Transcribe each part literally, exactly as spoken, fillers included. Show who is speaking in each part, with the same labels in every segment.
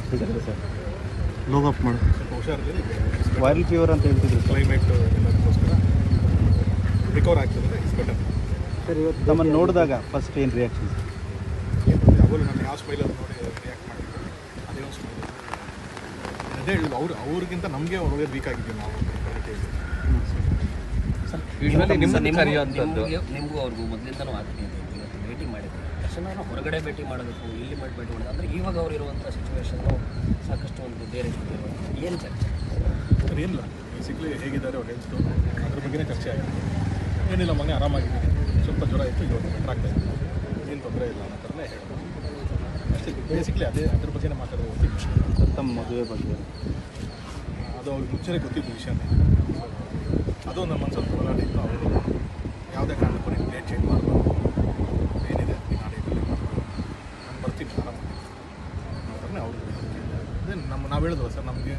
Speaker 1: Sir low up ಮಾಡು
Speaker 2: ಹುಷಾರಿದೆ.
Speaker 1: Viral fever ಅಂತ ಹೇಳ್ತಿದ್ರು
Speaker 2: ಕ್ಲೈಮೇಟ್ ಎಲ್ಲದಕ್ಕೋಸ್ಕರ ರಿಕವರ್ ಆಗ್ತದೆ. Is better.
Speaker 1: ಸರ್ ಇವತ್ತು ನಮ್ಮನ್ನು ನೋಡಿದಾಗ ಫಸ್ಟ್ ಏನು ರಿಯಾಕ್ಷನ್ ಸರ್?
Speaker 2: ಯಾವಾಗಲೂ ನಾನು ಯಾವ ಸ್ಮೈಲಲ್ಲಿ ನೋಡಿ ರಿಯಾಕ್ಟ್ ಮಾಡಿದ್ದೆ ಅದೇ ಒಂದು ಸ್ಮೈಲ್. ಅದೇ ಹೇಳುದು ಅವ್ರು ಅವ್ರಿಗಿಂತ ನಮಗೆ ಒಳ್ಳೆ ವೀಕ್ ಆಗಿದ್ದೀವಿ ನಾವು.
Speaker 3: ಸರ್ ಯೂಶ್ವಲಿ ನಿಮ್ಮನ್ನು ಕರೆಯುವಂಥದ್ದು
Speaker 4: ನಿಮಗೂ ಅವ್ರಿಗೂ ಮೊದಲಿಂದನೂ ಆಗ್ತೀನಿ ಇವತ್ತು ಭೇಟಿ ಮಾಡಿದ್ವಿ ತಕ್ಷಣ ಹೊರಗಡೆ ಭೇಟಿ ಮಾಡಬೇಕು ಇಲ್ಲಿ ಮಾಡಿ ಭೇಟಿ ಮಾಡೋದು ಅಂದರೆ ಇವಾಗ ಅವ್ರು ಇರುವಂಥ ಸಿಚುವೇಶನ್ನು ಸಾಕಷ್ಟು ಒಂದು ಬೇರೆ ಏನು ಚರ್ಚೆ
Speaker 2: ಸರ್ ಏನಿಲ್ಲ ಬೇಸಿಕ್ಲಿ ಹೇಗಿದ್ದಾರೆ ಅವ್ರು ಹೆಲ್ತು ಅದ್ರ ಬಗ್ಗೆನೇ ಚರ್ಚೆ ಆಗಿದೆ. ಏನಿಲ್ಲ ಮನೆ ಆರಾಮಾಗಿದ್ದೀನಿ, ಸ್ವಲ್ಪ ಜ್ವರ ಇತ್ತು, ಇವಾಗ ಬೆಟರ್ ಆಗ್ತಾ ಇತ್ತು, ಏನು ತೊಂದರೆ ಇಲ್ಲ ಅನ್ನೋ ಥರನೇ ಹೇಳ್ಬೋದು ಅಷ್ಟೇ. ಬೇಸಿಕ್ಲಿ ಅದೇ ಅದ್ರ ಬಗ್ಗೆನೇ ಮಾತಾಡೋದು ಗೊತ್ತಿತ್ತು.
Speaker 1: ತಮ್ಮ ಮದುವೆ ಬಗ್ಗೆ
Speaker 2: ಅದು ಅವ್ರಿಗೆ ಮುಂಚೆನೇ ಗೊತ್ತಿದ್ದು ವಿಷಯನೇ. ಅದು ನಮ್ಮ ಮನಸ್ಸಲ್ಲಿ ಹೋರಾಟ ಇತ್ತು. ಅವರು ಯಾವುದೇ ಕಾರಣಕ್ಕೂ ನೀವು ಡೇಟ್ ಚೇಂಜ್ ಮಾಡಬಾರ್ದು, ಏನಿದೆ ನಾಳೆ ಇದರಲ್ಲಿ ಮಾಡ್ಬೋದು, ನಾನು ಬರ್ತೀನಿ ಆರಾಮಾಗಿ ಅನ್ನೋ ಥರನೇ ಅವರು. ಅದೇ ನಮ್ಮ ನಾವು ಹೇಳಿದ್ವಲ್ಲ ಸರ್, ನಮಗೆ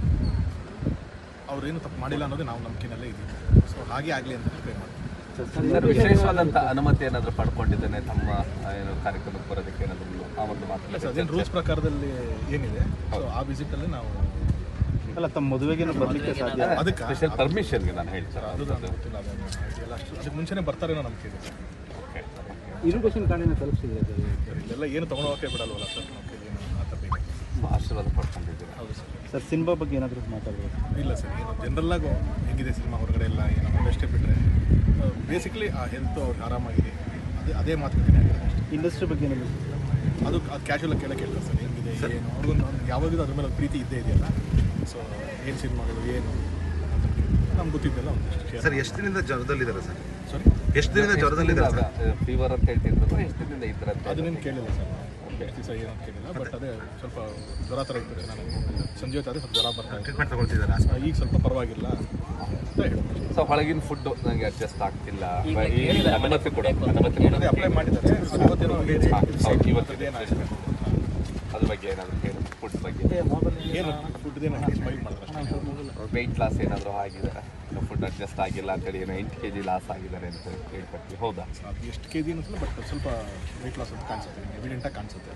Speaker 2: ಅವ್ರೇನು ತಪ್ಪು ಮಾಡಿಲ್ಲ ಅನ್ನೋದೇ ನಾವು ನಂಬಿಕೆನಲ್ಲೇ ಇದ್ದೀವಿ. ಸೊ ಹಾಗೆ ಆಗಲಿ ಅಂತ ಪ್ರೇ ಮಾಡ್ತೀವಿ.
Speaker 3: ಸರ್ ವಿಶೇಷವಾದಂಥ ಅನುಮತಿ ಏನಾದರೂ ಪಡ್ಕೊಂಡಿದ್ದೇನೆ ತಮ್ಮ ಏನು ಕಾರ್ಯಕ್ರಮಕ್ಕೆ ಬರೋದಕ್ಕೆ ಏನಾದರೂ ಆ ಒಂದು ಮಾತು?
Speaker 2: ಸರ್ ಅದೇನು ರೂಲ್ಸ್ ಪ್ರಕಾರದಲ್ಲಿ ಏನಿದೆ ಸೊ ಆ ವಿಸಿಟಲ್ಲಿ ನಾವು
Speaker 1: ಅಲ್ಲ ತಮ್ಮ ಮದುವೆಗೇನು ಬರಲಿಕ್ಕೆ ಸಾಧ್ಯ?
Speaker 2: ಅದಕ್ಕೆ
Speaker 3: ಸ್ಪೆಷಲ್ ಪರ್ಮಿಷನ್ಗೆ ನಾನು ಹೇಳ್ತೀನಿ
Speaker 2: ಅದು ನನಗೆ ಗೊತ್ತಿಲ್ಲ. ಅದನ್ನು ಎಲ್ಲ ಅಷ್ಟು ಅದಕ್ಕೆ ಮುಂಚೆನೇ ಬರ್ತಾರೇನೋ ನಂಬಿಕೆ ಇದೆ.
Speaker 3: ಓಕೆ
Speaker 1: ಇರುಗೇಷನ್ ಕಾರ್ಡಿನ ತಲುಪಿಸಿದ್ರೆ
Speaker 2: ಸರ್ ಇಲ್ಲೆಲ್ಲ ಏನು ತೊಗೊಳೋಕೆ ಬಿಡಲ್ವಲ್ಲ ಸರ್, ನಾವು ಏನು ಆ ಥರ ಬೇಕು.
Speaker 3: ಆಶೀರ್ವಾದ ಪಡ್ಕೊಂಡಿದ್ದೀವಿ.
Speaker 2: ಹೌದು ಸರ್.
Speaker 1: ಸರ್ ಸಿನಿಮಾ ಬಗ್ಗೆ ಏನಾದರೂ ಮಾತಾಡ್ಬೋದು?
Speaker 2: ಇಲ್ಲ ಸರ್, ಏನು ಜನರಲ್ಲಾಗಿ ಹೇಗಿದೆ ಸಿನಿಮಾ ಹೊರಗಡೆ ಎಲ್ಲ ಏನು ಅಷ್ಟೇ ಬಿಟ್ಟರೆ ಬೇಸಿಕ್ಲಿ ಆ ಹೆಲ್ತು ಅವ್ರಿಗೆ ಆರಾಮಾಗಿದೆ, ಅದೇ ಅದೇ ಮಾತುಕತೆ.
Speaker 1: ಇಂಡಸ್ಟ್ರಿ ಬಗ್ಗೆ ಏನಾದರೂ
Speaker 2: ಅದು ಅದು ಕ್ಯಾಶುವಲಾಗಿ ಕೇಳಕ್ಕೆ ಕೇಳ್ತಾರೆ ಸರ್, ಹೆಂಗಿದೆ ಏನು ಅವ್ರಿಗೊಂದು ಯಾವಾಗಲೂ ಅದ್ರ ಮೇಲೆ ಪ್ರೀತಿ ಇದ್ದೇ ಇದೆಯಲ್ಲ. ಸೊ ಏನು ಸಿನಿಮಾಗಳು ಏನು ನಮ್ಗೆ ಗೊತ್ತಿದ್ದೆಲ್ಲ ಒಂದಿಷ್ಟು.
Speaker 5: ಸರ್ ಎಷ್ಟು ದಿನದಿಂದ ಜ್ವರದಲ್ಲಿದ್ದಾರೆ ಸರ್?
Speaker 2: ಸಾರಿ,
Speaker 5: ಎಷ್ಟು ದಿನದಿಂದ ಜ್ವರದಲ್ಲಿದ್ದಾರೆ?
Speaker 3: ಫೀವರ್ ಅಂತ ಹೇಳ್ತಿದ್ರು, ಎಷ್ಟು ದಿನದಿಂದ ಇದ್ರೆ ಅಂತ
Speaker 2: ಅದನ್ನೇನು ಕೇಳಿಲ್ಲ ಸರ್, ಎಷ್ಟು ದಿವಸ ಏನು ಅಂತ ಕೇಳಿಲ್ಲ. ಬಟ್ ಅದೇ ಸ್ವಲ್ಪ ಜ್ವರ ಥರ ಇರ್ತದೆ. ನಾನು ಸಂಜೆ ಹೊತ್ತಾದರೆ ಸ್ವಲ್ಪ ಜ್ವರ ಬರ್ತಾ ಇತ್ತು.
Speaker 5: ಟ್ರೀಟ್ಮೆಂಟ್ ತಗೊಳ್ತಿದ್ದಾರೆ?
Speaker 2: ಈಗ ಸ್ವಲ್ಪ ಪರವಾಗಿಲ್ಲ ಅಂತ ಹೇಳ್ಬೋದು.
Speaker 3: ಸೊ ಹೊಳಗಿನ ಫುಡ್ ನನಗೆ ಅಡ್ಜಸ್ಟ್ ಆಗ್ತಿಲ್ಲ,
Speaker 4: ಈಗ
Speaker 3: ಈ
Speaker 4: ಹೇಳಿದ್ದಾರೆ,
Speaker 3: ಅನುಮತಿ ಕೊಡ ಅನುಮತಿ
Speaker 2: ಅದೇ ಅಪ್ಲೈ ಮಾಡಿದ್ದಾರೆ. ಇವತ್ತೇನೋ
Speaker 3: ಇವತ್ತಿದೆ ಅದ್ರ ಬಗ್ಗೆ ಏನಾದರೂ ಹೇಳಿ, ಫುಡ್ ಬಗ್ಗೆ
Speaker 2: ಏನು ಫುಡ್ದೇನೋ ಸ್ಮೈಲ್ ಮಾಡಿದ್ರೆ
Speaker 3: ವೆಯ್ಟ್ ಲಾಸ್ ಏನಾದರೂ ಆಗಿದೆ, ಫುಡ್ ಅಡ್ಜಸ್ಟ್ ಆಗಿಲ್ಲ ಅಂತೇಳಿ ಏನೋ ಎಂಟು ಕೆ ಜಿ ಲಾಸ್ ಆಗಿದ್ದಾರೆ ಅಂತ ಹೇಳ್ಕೊಡ್ತೀವಿ. ಹೌದಾ?
Speaker 2: ಅದು ಎಷ್ಟು ಕೆ ಜಿ ಅನ್ನಿಸಲ್ಲ, ಬಟ್ ಸ್ವಲ್ಪ ವೆಯ್ಟ್ ಲಾಸ್ ಅಂತ ಕಾಣಿಸುತ್ತೆ, ಎವಿಡೆಂಟಾಗಿ ಕಾಣಿಸುತ್ತೆ.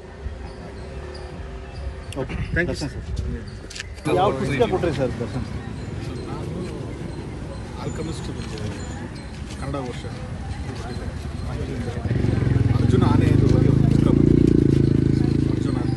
Speaker 1: Okay thank you sir. ಯಾವ ಪುಸ್ತಕ ಕೊಟ್ಟರಿ ಸರ್ ದರ್ಶನ್?
Speaker 2: ಸೊ ನಾನು ಆಲ್ಕಮಿಸ್ಟ್ ಕನ್ನಡ ವರ್ಷ ಅರ್ಜುನ ಆನೆ ಇದು ಬಗ್ಗೆ ಒಂದು ಪುಸ್ತಕ ಬಂದಿದೆ. ಅರ್ಜುನ ಅಂತ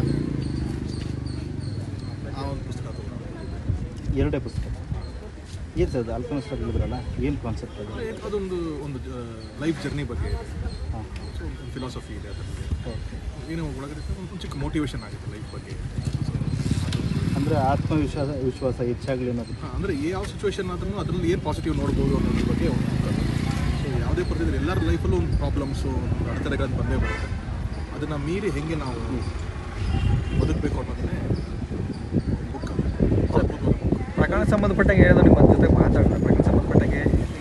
Speaker 2: ಆ ಒಂದು ಪುಸ್ತಕ ತಗೊಂಡು
Speaker 1: ಎರಡೇ ಪುಸ್ತಕ ಏನು ಸರ್? ಅದು ಆಲ್ಕಮಿಸ್ಟ್ ಹೇಳಿದ್ರಲ್ಲ, ಏನು ಕಾನ್ಸೆಪ್ಟ್ ಅದು?
Speaker 2: ಅದೊಂದು ಒಂದು ಲೈಫ್ ಜರ್ನಿ ಬಗ್ಗೆ ಇದೆ.
Speaker 1: ಹಾಂ
Speaker 2: ಸೊ ಒಂದು ಫಿಲಾಸಫಿ ಇದೆ ಅದರಲ್ಲಿ.
Speaker 1: ಓಕೆ.
Speaker 2: ಏನೋ ಒಳಗಡೆ ಒಂದು ಚಿಕ್ಕ ಮೋಟಿವೇಶನ್ ಆಗುತ್ತೆ ಲೈಫ್ ಬಗ್ಗೆ.
Speaker 1: ಅಂದರೆ ಆತ್ಮವಿಶ್ವಾಸ ವಿಶ್ವಾಸ ಹೆಚ್ಚಾಗಲಿ ಅನ್ನೋದು.
Speaker 2: ಹಾಂ, ಅಂದರೆ ಯಾವ ಸಿಚುವೇಶನ್ ಆದ್ರೂ ಅದರಲ್ಲಿ ಏನು ಪಾಸಿಟಿವ್ ನೋಡ್ಬೋದು ಅನ್ನೋದ್ರ ಬಗ್ಗೆ ಒಂದು ಬುಕ್. ಸೊ ಯಾವುದೇ ಪರಿಸ್ಥಿತಿ ಎಲ್ಲರ ಲೈಫಲ್ಲೂ ಒಂದು ಪ್ರಾಬ್ಲಮ್ಸು, ಒಂದು ಅಡೆತಡೆಗಳನ್ನು ಬಂದೇ ಬರುತ್ತೆ. ಅದನ್ನು ಮೀರಿ ಹೇಗೆ ನಾವು ಬದುಕಬೇಕು ಅನ್ನೋದನ್ನೇ ಬುಕ್.
Speaker 6: ಪ್ರಕರಣ ಸಂಬಂಧಪಟ್ಟಂಗೆ ಏನಾದರೂ ನಿಮ್ಮ ಜೊತೆ ಮಾತಾಡ್ತಾರೆ? ಪ್ರಕರಣ ಸಂಬಂಧಪಟ್ಟಂಗೆ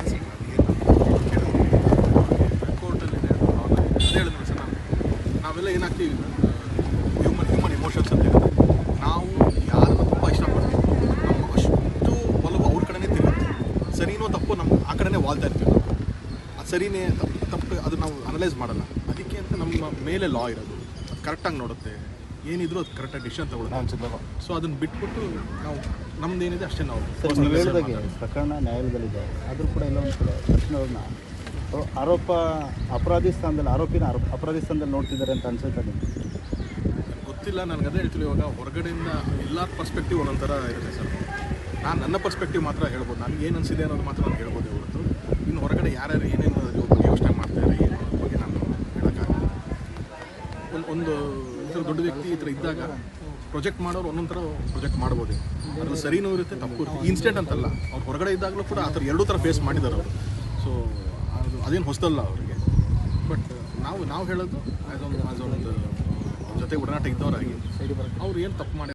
Speaker 2: ಕೋರ್ಟಲ್ಲಿದೆ, ಅದೇ ಹೇಳಿದ್ರು ಸರ್. ನಾನು ನಾವೆಲ್ಲ ಏನಾಗ್ತೀವಿ, ಹ್ಯೂಮನ್ ಹ್ಯೂಮನ್ ಇಮೋಷನ್ಸ್ ಅಂತ ಇರುತ್ತೆ. ನಾವು ಯಾರನ್ನು ತುಂಬ ಇಷ್ಟಪಡ್ತೀವಿ, ನಮ್ಮ ಅಷ್ಟು ಒಲವು ಅವ್ರ ಕಡೆನೇ ತಿರುಗುತ್ತೆ. ಸರಿನೋ ತಪ್ಪು ನಮ್ಮ ಆ ಕಡೆನೇ ವಾಲ್ತಾ ಇರ್ತೀವಿ ನಾವು. ಅದು ಸರಿನೇ ತಪ್ಪು ತಪ್ಪು ಅದು ನಾವು ಅನಲೈಸ್ ಮಾಡಲ್ಲ. ಅದಕ್ಕೆ ಅಂತ ನಮ್ಮ ಮೇಲೆ ಲಾ ಇರೋದು, ಅದು ಕರೆಕ್ಟಾಗಿ ನೋಡುತ್ತೆ. ಏನಿದ್ರು ಅದು ಕರೆಕ್ಟಾಗಿ ಡಿಸಿಷನ್ ತಗೊಳ್ಳೋದು. ಸೊ ಅದನ್ನು ಬಿಟ್ಬಿಟ್ಟು ನಾವು ನಮ್ದು ಏನಿದೆ ಅಷ್ಟೇ ನಾವು.
Speaker 1: ಸರ್ ನೀವು ಹೇಳಿದಾಗೆ ಪ್ರಕರಣ ನ್ಯಾಯಾಲಯದಲ್ಲಿದೆ, ಆದರೂ ಕೂಡ ಎಲ್ಲ ಒಂದು ಕಡೆ ತಕ್ಷಣ ಅವ್ರನ್ನ ಆರೋಪ ಅಪರಾಧಿ ಸ್ಥಾನದಲ್ಲಿ ಆರೋಪಿನ ಆರೋಪ ಅಪರಾಧಿ ಸ್ಥಾನದಲ್ಲಿ ನೋಡ್ತಿದ್ದಾರೆ ಅಂತ ಅನ್ಸುತ್ತೆ ನಿಮಗೆ?
Speaker 2: ಗೊತ್ತಿಲ್ಲ, ನನಗೆ ಅದೇ ಹೇಳ್ತೀವಿ. ಇವಾಗ ಹೊರಗಡೆಯಿಂದ ಎಲ್ಲ ಪರ್ಸ್ಪೆಕ್ಟಿವ್ ಒಂದೊಂಥರ ಇರುತ್ತೆ ಸರ್. ನಾನು ನನ್ನ ಪರ್ಸ್ಪೆಕ್ಟಿವ್ ಮಾತ್ರ ಹೇಳ್ಬೋದು, ನನಗೆ ಏನು ಅನಿಸಿದೆ ಅನ್ನೋದು ಮಾತ್ರ ನಾನು ಹೇಳ್ಬೋದು ಹೊರತು ಇನ್ನು ಹೊರಗಡೆ ಯಾರ್ಯಾರು ಏನೇನು ಬಗ್ಗೆ ಯೋಚನೆ ಮಾಡ್ತಾರೆ ಏನು ಅನ್ನೋದ್ರ ಬಗ್ಗೆ ನಾನು ಹೇಳೋಕ್ಕಾಗಲ್ಲ. ಒಂದು ಒಂದು ಈ ಥರ ದೊಡ್ಡ ವ್ಯಕ್ತಿ ಈ ಥರ ಇದ್ದಾಗ ಪ್ರೊಜೆಕ್ಟ್ ಮಾಡೋರು ಒಂದೊಂದು ಥರ ಪ್ರೊಜೆಕ್ಟ್ ಮಾಡ್ಬೋದು. ಅದ್ರಲ್ಲಿ ಸರಿನೂ ಇರುತ್ತೆ, ತಪ್ಪು ಇರುತ್ತೆ. ಇನ್ಸ್ಟೆಂಟ್ ಅಂತಲ್ಲ, ಅವ್ರು ಹೊರಗಡೆ ಇದ್ದಾಗಲೂ ಕೂಡ ಆ ಥರ ಎರಡೂ ಥರ ಫೇಸ್ ಮಾಡಿದ್ದಾರೆ ಅವರು. ಸೊ ಅದು ಅದೇನು ಹೊಸದಲ್ಲ ಅವರಿಗೆ. ಬಟ್ ನಾವು ನಾವು ಹೇಳೋದು ಆ್ಯಸ್ ಒಂದು ಆ್ಯಸ್ ಒಂದು ಜೊತೆ ಒಡನಾಟ ಇದ್ದವರಾಗಿ ಅವ್ರು ಏನು ತಪ್ಪು ಮಾಡಿ